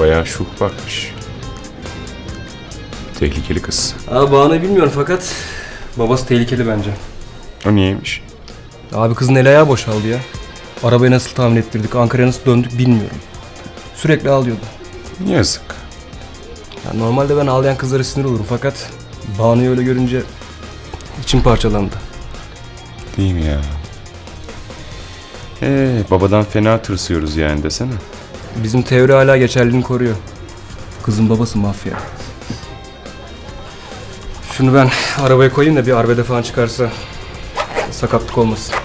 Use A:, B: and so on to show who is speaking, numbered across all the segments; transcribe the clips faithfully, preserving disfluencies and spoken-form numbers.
A: bayağı şuh bakmış. Tehlikeli kız.
B: Abi Banu'yu bilmiyorum fakat babası tehlikeli bence.
A: O niyeymiş?
B: Abi kızın el ayağı boşaldı ya. Arabayı nasıl tamir ettirdik, Ankara'ya nasıl döndük bilmiyorum. Sürekli ağlıyordu.
A: Yazık.
B: Ya normalde ben ağlayan kızlara sinir olurum fakat Banu'yu öyle görünce içim parçalandı.
A: Değil mi ya? Ee, babadan fena tırsıyoruz yani desene.
B: Bizim teori hala geçerliliğini koruyor. Kızın babası mafya. Şunu ben arabaya koyayım da bir arbede falan çıkarsa sakatlık olmasın.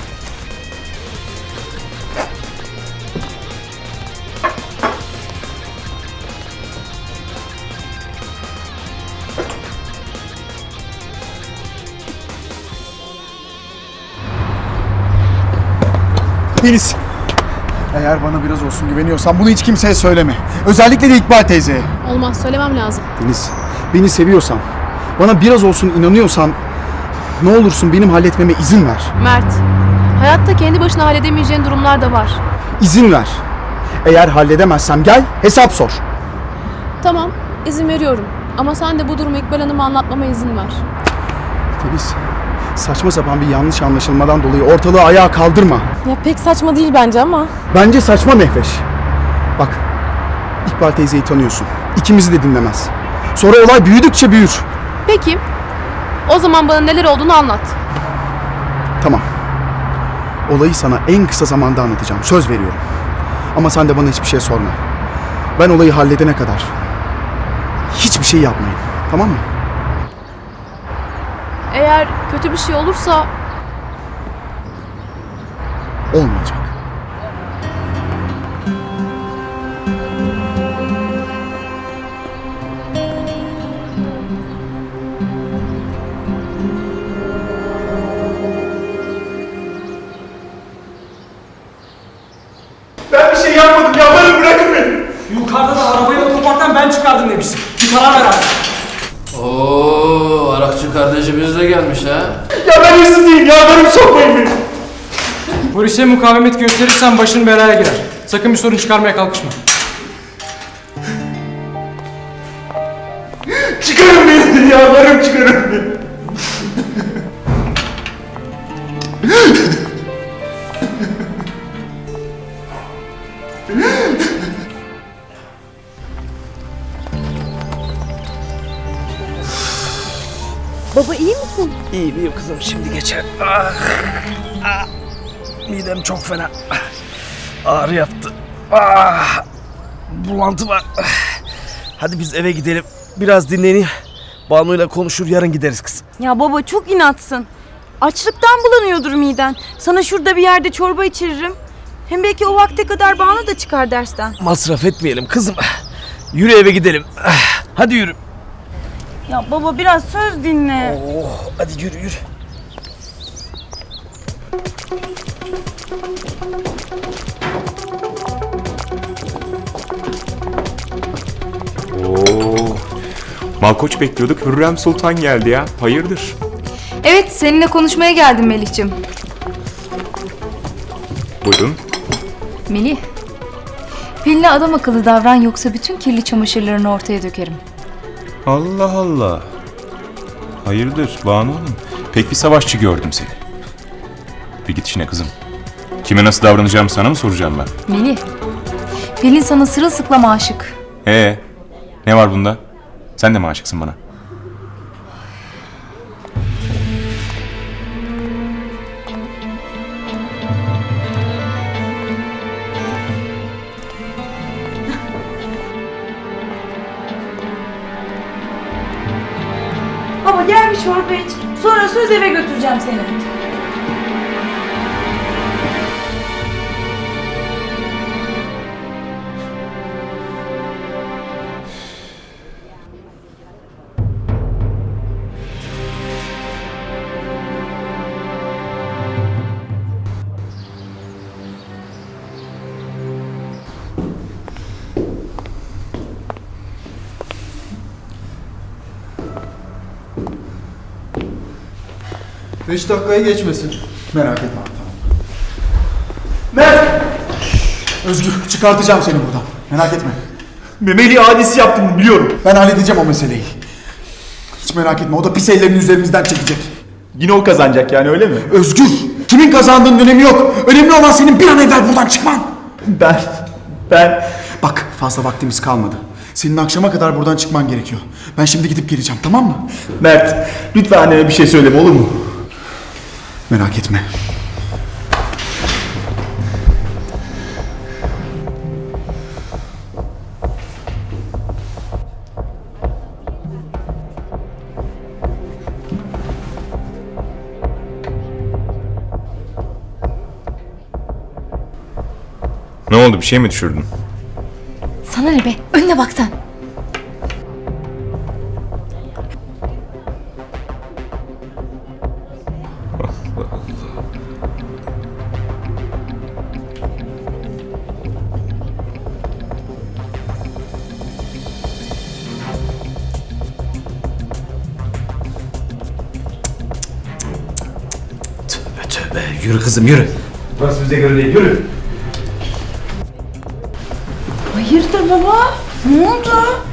C: Deniz, eğer bana biraz olsun güveniyorsan bunu hiç kimseye söyleme. Özellikle de İkbal teyzeye.
D: Olmaz, söylemem lazım.
C: Deniz, beni seviyorsan, bana biraz olsun inanıyorsan ne olursun benim halletmeme izin ver.
D: Mert, hayatta kendi başına halledemeyeceğin durumlar da var.
C: İzin ver. Eğer halledemezsem gel hesap sor.
D: Tamam, izin veriyorum. Ama sen de bu durumu İkbal Hanım'a anlatmama izin ver.
C: Deniz, saçma sapan bir yanlış anlaşılmadan dolayı ortalığı ayağa kaldırma.
D: Ya pek saçma değil bence ama.
C: Bence saçma Mehveş. Bak, İkbal teyzeyi tanıyorsun. İkimizi de dinlemez. Sonra olay büyüdükçe büyür.
D: Peki, o zaman bana neler olduğunu anlat.
C: Tamam. Olayı sana en kısa zamanda anlatacağım. Söz veriyorum. Ama sen de bana hiçbir şey sorma. Ben olayı halledene kadar hiçbir şey yapmayın. Tamam mı?
D: Eğer kötü bir şey olursa
C: Olmayacak. Ben bir şey yapmadım. Yalvarırım bırakın beni.
E: Yukarıda da arabayı da topaktan ben çıkardım demişsin. Bir karar ver artık.
F: Oo, Arakçı kardeşimiz de gelmiş ha.
C: Ya ben hırsız değilim. Yalvarırım sokmayın beni.
E: Polise mukavemet gösterirsen başın belaya girer. Sakın bir sorun çıkarmaya kalkışma.
C: Çıkarın beni. Yalvarırım çıkarın beni.
D: baba iyi misin?
E: İyi bir kızım şimdi geçer. Ah, ah. Midem çok fena. Ağrı yaptı. Ah, bulantı var. Hadi biz eve gidelim. Biraz dinleneyim. Banu'yla konuşur yarın gideriz kız.
G: Ya baba çok inatsın. Açlıktan bulanıyordur miden. Sana şurada bir yerde çorba içiririm. Hem belki o vakte kadar Banu da çıkar dersten.
E: Masraf etmeyelim kızım. Yürü eve gidelim. Hadi yürü.
G: Ya baba biraz söz dinle.
E: Oh, hadi yürü yürü.
A: Oo. Malkoç bekliyorduk. Hürrem Sultan geldi ya. Hayırdır?
H: Evet, seninle konuşmaya geldim Melih'ciğim.
A: Buyurun.
H: Melih, Pelin'e adam akıllı davran yoksa bütün kirli çamaşırlarını ortaya dökerim.
A: Allah Allah. Hayırdır Banu Hanım? Pek bir savaşçı gördüm seni. Bir git işine kızım. Kime nasıl davranacağımı sana mı soracağım ben?
H: Melih, Pelin sana sırılsıklam aşık.
A: Ee, ne var bunda? Sen de mi aşıksın bana?
G: Baba gel bir çorba iç. Sonra söz eve götüreceğim seni.
C: Beş dakikaya geçmesin. Merak etme. Tamam. Mert! Özgür, çıkartacağım seni buradan. Merak etme. Memeli ailesi yaptı bunu biliyorum. Ben halledeceğim o meseleyi. Hiç merak etme, o da pis ellerini üzerimizden çekecek.
I: Yine o kazanacak yani, öyle mi?
C: Özgür, kimin kazandığının önemi yok. Önemli olan senin bir an evvel buradan çıkman.
I: Ben... Ben...
C: Bak, fazla vaktimiz kalmadı. Senin akşama kadar buradan çıkman gerekiyor. Ben şimdi gidip geleceğim, tamam mı?
I: Mert, lütfen anneme bir şey söyleme, olur mu?
C: Merak etme.
A: Ne oldu, bir şey mi düşürdün?
H: Sana ne be? Önüne bak sen.
E: Tövbe tövbe. Yürü kızım yürü. Burası bize göre değil. Yürü.
G: Hayırdır baba? Ne oldu?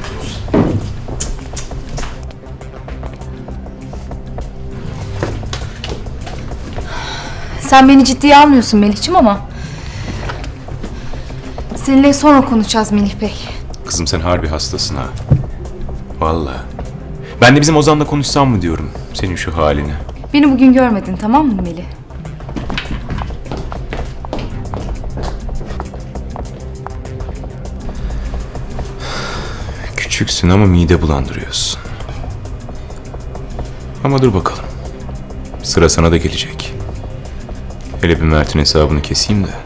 H: Sen beni ciddiye almıyorsun Melih'ciğim ama... Seninle sonra konuşacağız Melih Bey.
A: Kızım sen harbi hastasın ha. Vallahi. Ben de bizim Ozan'la konuşsam mı diyorum senin şu halini.
H: Beni bugün görmedin, tamam mı Melih?
A: Küçüksün ama mide bulandırıyorsun. Ama dur bakalım. Sıra sana da gelecek. Hele bir Mert'in hesabını keseyim de.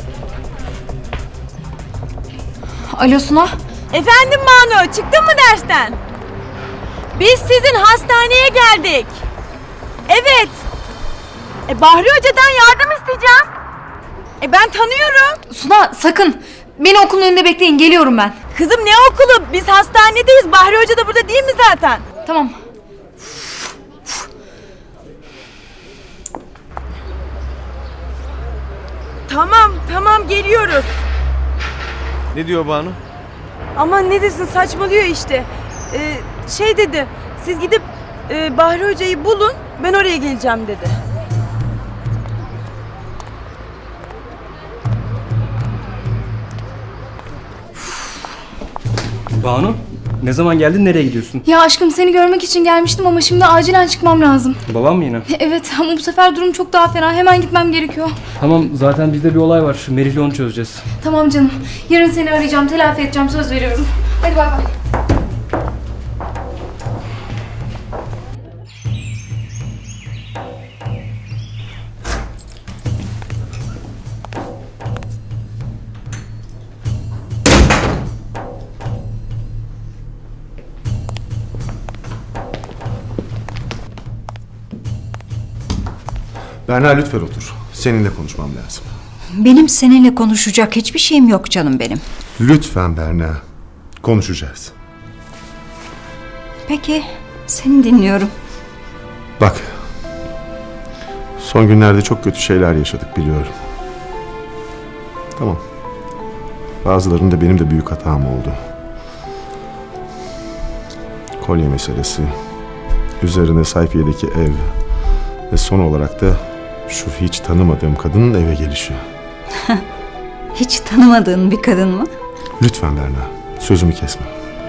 H: Alo Suna.
G: Efendim Banu, çıktın mı dersten? Biz sizin hastaneye geldik. Evet. E, Bahri Hoca'dan yardım isteyeceğim. E, ben tanıyorum.
H: Suna sakın. Beni okulun önünde bekleyin, geliyorum ben.
G: Kızım ne okulu? Biz hastanedeyiz. Bahri Hoca da burada değil mi zaten?
H: Tamam.
G: Tamam, tamam geliyoruz.
B: Ne diyor Banu?
G: Aman ne desin, saçmalıyor işte. Ee, şey dedi, siz gidip e, Bahri Hoca'yı bulun, ben oraya geleceğim dedi.
B: Banu, ne zaman geldin, nereye gidiyorsun?
H: Ya aşkım seni görmek için gelmiştim ama şimdi acilen çıkmam lazım.
B: Babam mı yine?
H: Evet ama bu sefer durum çok daha fena. Hemen gitmem gerekiyor.
B: Tamam, zaten bizde bir olay var. Melih'le onu çözeceğiz.
H: Tamam canım. Yarın seni arayacağım. Telafi edeceğim. Söz veriyorum. Hadi bay bay.
J: Berna lütfen otur. Seninle konuşmam lazım.
K: Benim seninle konuşacak hiçbir şeyim yok canım benim.
J: Lütfen Berna. Konuşacağız.
K: Peki, seni dinliyorum.
J: Bak. Son günlerde çok kötü şeyler yaşadık biliyorum. Tamam. Bazılarında benim de büyük hatam oldu. Kolye meselesi. Üzerine sayfiyedeki ev. Ve son olarak da şu hiç tanımadığım kadının eve gelişi.
K: Hiç tanımadığın bir kadın mı?
J: Lütfen Berna, sözümü kesme.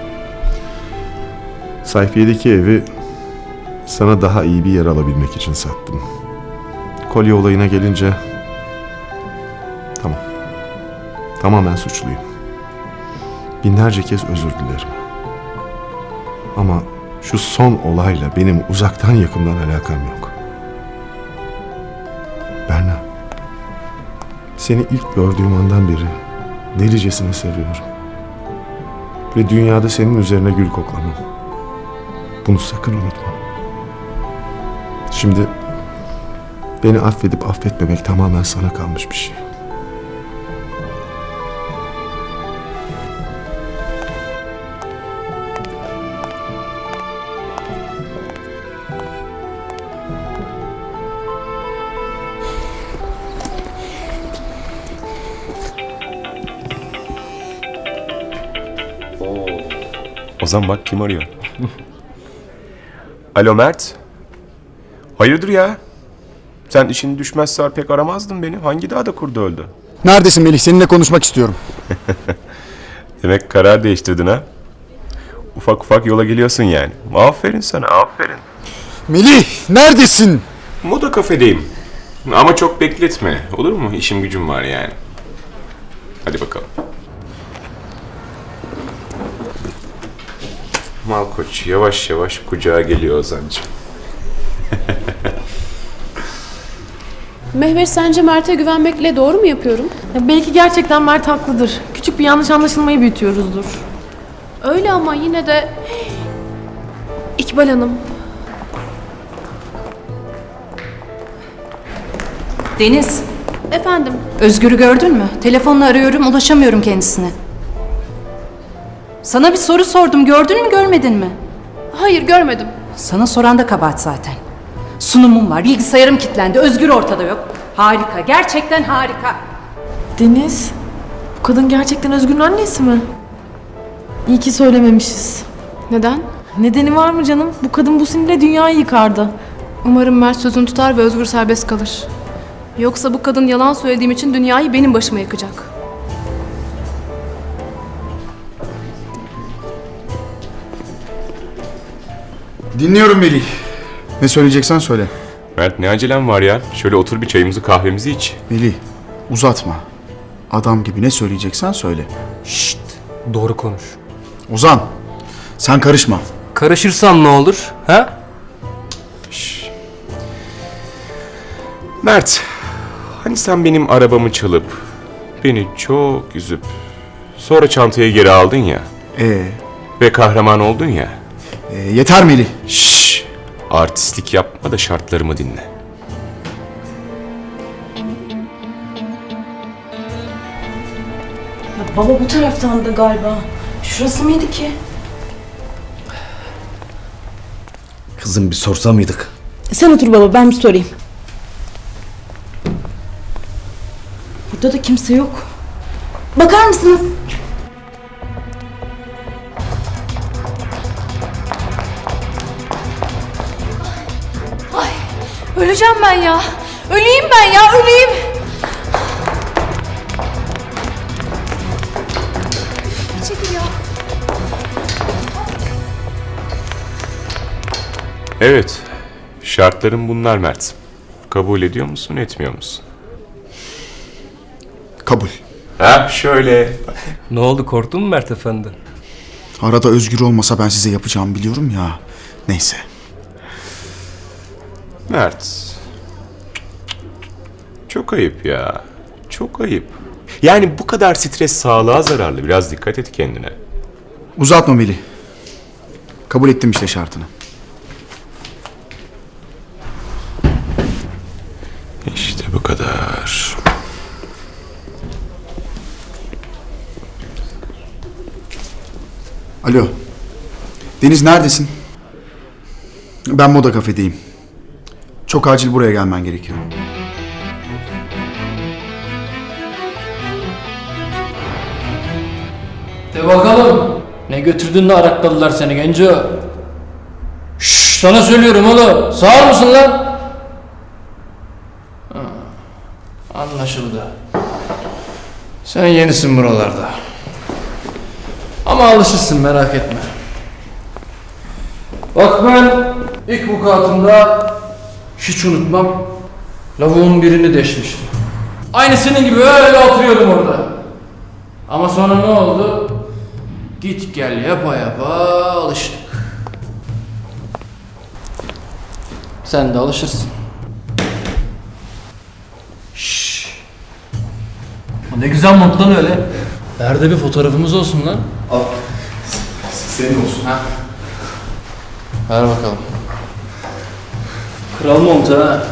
J: Sayfiyedeki evi sana daha iyi bir yer alabilmek için sattım. Kolye olayına gelince... Tamam. Tamamen suçluyum. Binlerce kez özür dilerim. Ama şu son olayla benim uzaktan yakından alakam yok. Berna, seni ilk gördüğüm andan beri delicesine seviyorum. Ve dünyada senin üzerine gül koklamam. Bunu sakın unutma. Şimdi beni affedip affetmemek tamamen sana kalmış bir şey.
A: Oo. Ozan bak kim arıyor. Alo Mert. Hayırdır ya? Sen işin düşmezse pek aramazdın beni. Hangi dağda kurdu öldü?
C: Neredesin Melih? Seninle konuşmak istiyorum.
A: Demek karar değiştirdin ha? Ufak ufak yola geliyorsun yani. Aferin sana, aferin.
C: Melih, neredesin?
A: Moda kafedeyim. Ama çok bekletme. Olur mu? İşim gücüm var yani. Hadi bakalım. Malkoç yavaş yavaş kucağa geliyor Ozan'cığım.
D: Mehmet, sence Mert'e güvenmekle doğru mu yapıyorum?
L: Ya belki gerçekten Mert haklıdır. Küçük bir yanlış anlaşılmayı büyütüyoruzdur.
D: Öyle ama yine de... İkbal Hanım.
K: Deniz,
D: Efendim?
K: Özgür'ü gördün mü? Telefonla arıyorum, ulaşamıyorum kendisine. Sana bir soru sordum, gördün mü görmedin mi?
D: Hayır, görmedim.
K: Sana soran da kabahat zaten. Sunumum var, bilgisayarım kilitlendi, Özgür ortada yok. Harika, gerçekten harika.
L: Deniz, bu kadın gerçekten Özgür'ün annesi mi? İyi ki söylememişiz.
D: Neden?
L: Nedeni var mı canım? Bu kadın bu sinirle dünyayı yıkardı.
D: Umarım Mert sözünü tutar ve Özgür serbest kalır. Yoksa bu kadın yalan söylediğim için dünyayı benim başıma yakacak.
C: Dinliyorum Melih. Ne söyleyeceksen söyle.
A: Mert ne acelem var ya? Şöyle otur bir çayımızı kahvemizi iç.
C: Melih, uzatma. Adam gibi ne söyleyeceksen söyle.
B: Şşt, doğru konuş.
C: Ozan, sen karışma.
B: Karışırsam ne olur? Ha?
A: Mert, hani sen benim arabamı çalıp beni çok üzüp sonra çantayı geri aldın ya
C: Ee,
A: ve kahraman oldun ya.
C: e, yeter Melih.
A: Şşş, artistlik yapma da şartlarımı dinle.
G: Ya baba bu taraftan da galiba. Şurası mıydı ki?
E: Kızım bir sorsa mıydık?
G: Sen otur baba, ben bir sorayım. Burada da kimse yok. Bakar mısınız?
H: Öleceğim ben ya. Öleyim ben ya, öleyim. Çekil ya.
A: Evet, şartlarım bunlar Mert. Kabul ediyor musun, etmiyor musun?
C: Kabul.
A: Ha şöyle.
B: Ne oldu, korktun mu Mert Efendi?
C: Arada Özgür olmasa ben size yapacağımı biliyorum ya. Neyse.
A: Mert. Çok ayıp ya. Çok ayıp. Yani bu kadar stres sağlığa zararlı. Biraz dikkat et kendine.
C: Uzatma Melih. Kabul ettim işte şartını.
A: İşte bu kadar.
C: Alo. Deniz neredesin? Ben moda kafedeyim. Çok acil buraya gelmen gerekiyor.
F: De bakalım. Ne götürdün de arakladılar seni genco? Şşş, sana söylüyorum oğlum. Sağır mısın lan? Ha, anlaşıldı. Sen yenisin buralarda. Ama alışırsın, merak etme. Bak ben ilk vukuatımda hiç unutmam, lavuğun birini deşmiştim. Aynı senin gibi öyle oturuyordum orada. Ama sonra ne oldu? Git gel yapa yapa alıştık. Sen de alışırsın. Şşş. Ne güzel mont lan öyle. Nerede bir fotoğrafımız olsun lan?
C: Al. Senin olsun.
F: Ha. Ver bakalım. Kral montu ha.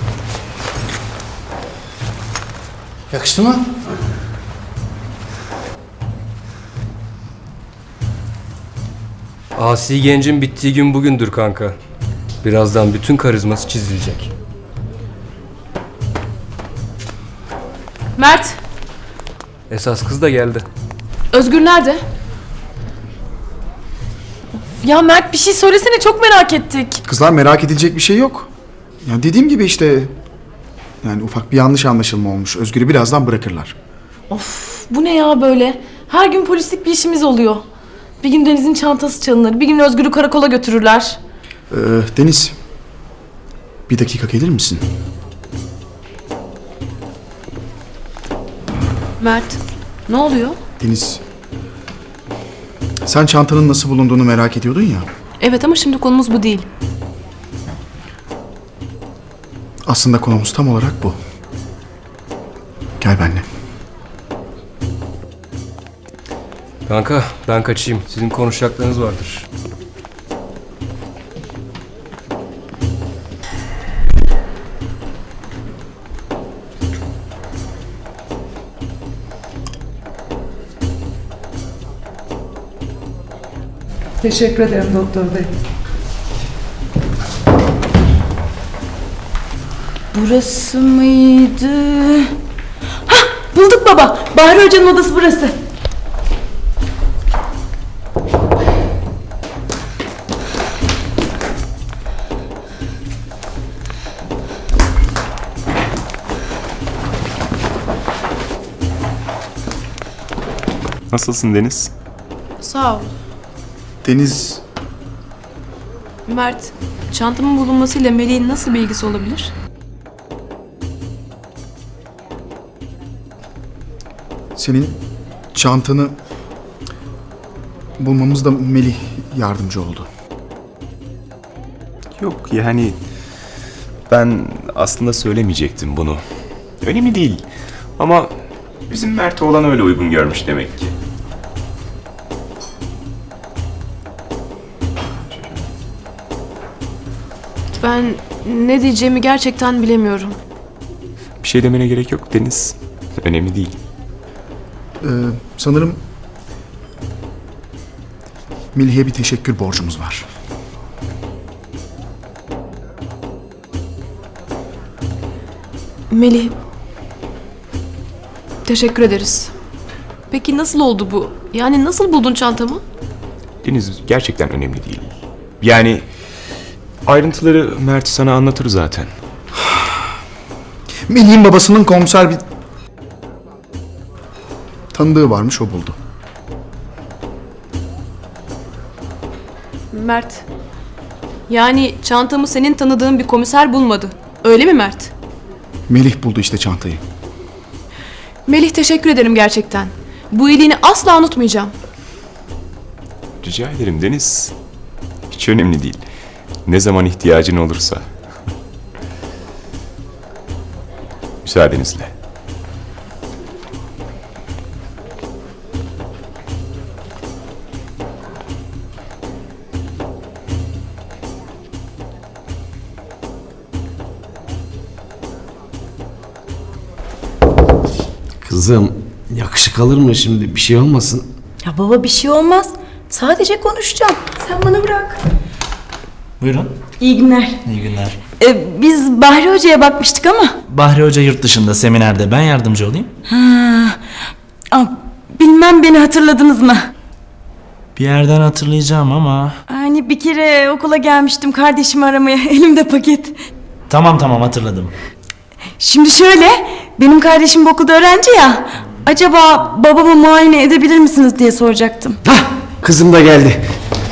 F: Yakıştı mı?
B: Asi gencin bittiği gün bugündür kanka. Birazdan bütün karizması çizilecek.
D: Mert,
B: Esas kız da geldi.
D: Özgür nerede?
L: Ya Mert bir şey söylesene, çok merak ettik.
C: Kızlar, merak edilecek bir şey yok. Ya dediğim gibi işte... Yani ufak bir yanlış anlaşılma olmuş. Özgür'ü birazdan bırakırlar.
L: Of, bu ne ya böyle? Her gün polislik bir işimiz oluyor. Bir gün Deniz'in çantası çalınır, bir gün Özgür'ü karakola götürürler.
C: Ee, Deniz, bir dakika gelir misin?
D: Mert, ne oluyor?
C: Deniz, sen çantanın nasıl bulunduğunu merak ediyordun ya.
D: Evet ama şimdi konumuz bu değil.
C: Aslında konumuz tam olarak bu. Gel benimle.
B: Kanka ben kaçayım. Sizin konuşacaklarınız vardır.
M: Teşekkür ederim doktor bey.
G: Burası mıydı? Hah, bulduk baba. Bahri Hoca'nın odası burası.
A: Nasılsın Deniz?
D: Sağ ol.
C: Deniz,
D: Mert, çantamın bulunmasıyla Melih'in nasıl bir ilgisi olabilir?
C: senin çantanı bulmamızda Melih yardımcı oldu.
A: Yok yani ben aslında söylemeyecektim bunu. Önemli değil. Ama bizim Mert'e olan öyle uygun görmüş demek ki.
D: Ben ne diyeceğimi gerçekten bilemiyorum.
A: Bir şey demene gerek yok Deniz. Önemli değil.
C: Ee, sanırım Melih'e bir teşekkür borcumuz var.
D: Melih, teşekkür ederiz. Peki nasıl oldu bu? Yani nasıl buldun çantamı?
A: Deniz gerçekten önemli değil. Yani ayrıntıları Mert sana anlatır zaten.
C: Melih'in babasının komiser bir tanıdığı varmış, o buldu.
D: Mert, yani çantamı senin tanıdığın bir komiser bulmadı. Öyle mi Mert?
C: Melih buldu işte çantayı.
D: Melih, teşekkür ederim gerçekten. Bu iyiliğini asla unutmayacağım.
A: Rica ederim Deniz. Hiç önemli değil. Ne zaman ihtiyacın olursa. Müsaadenizle.
E: Kızım, yakışık alır mı şimdi? Bir şey olmasın.
G: Ya baba, bir şey olmaz. Sadece konuşacağım. Sen bana bırak.
E: Buyurun.
G: İyi günler.
E: İyi günler.
G: Ee, biz Bahri Hoca'ya bakmıştık ama.
E: Bahri Hoca yurt dışında seminerde. Ben yardımcı olayım.
G: Ha, aa, bilmem beni hatırladınız mı?
E: Bir yerden hatırlayacağım ama...
G: Hani bir kere okula gelmiştim kardeşimi aramaya. Elimde paket.
E: Tamam tamam hatırladım.
G: Şimdi şöyle, benim kardeşim bu okulda öğrenci ya. Acaba babamı muayene edebilir misiniz diye soracaktım.
E: Hah, kızım da geldi.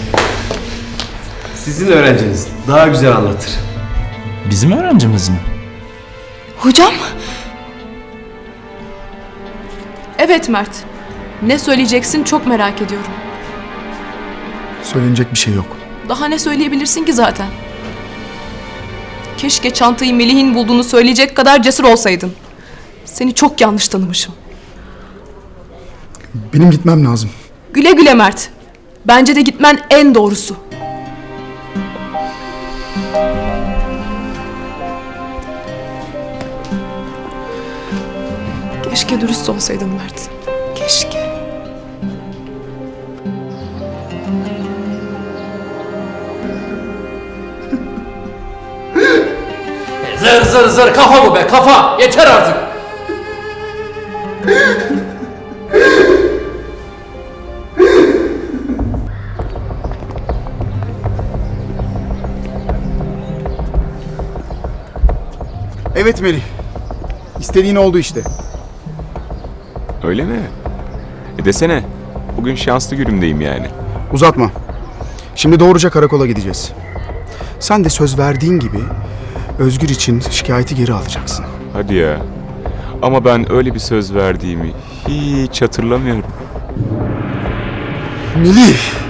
E: Sizin öğrenciniz daha güzel anlatır. Bizim öğrencimiz mi?
G: Hocam?
D: Evet Mert. Ne söyleyeceksin çok merak ediyorum.
C: Söylenecek bir şey yok.
D: Daha ne söyleyebilirsin ki zaten? Keşke çantayı Melih'in bulduğunu söyleyecek kadar cesur olsaydın. Seni çok yanlış tanımışım.
C: Benim gitmem lazım.
D: Güle güle Mert. Bence de gitmen en doğrusu. Keşke dürüst olsaydın Mert. Keşke.
F: Zır zır zır kafa bu be, kafa! Yeter artık!
C: Evet Melih. İstediğin oldu işte.
A: Öyle mi? E desene. Bugün şanslı günümdeyim yani.
C: Uzatma. Şimdi doğruca karakola gideceğiz. Sen de söz verdiğin gibi Özgür için şikayeti geri alacaksın.
A: Hadi ya. Ama ben öyle bir söz verdiğimi hiç hatırlamıyorum.
C: Melih!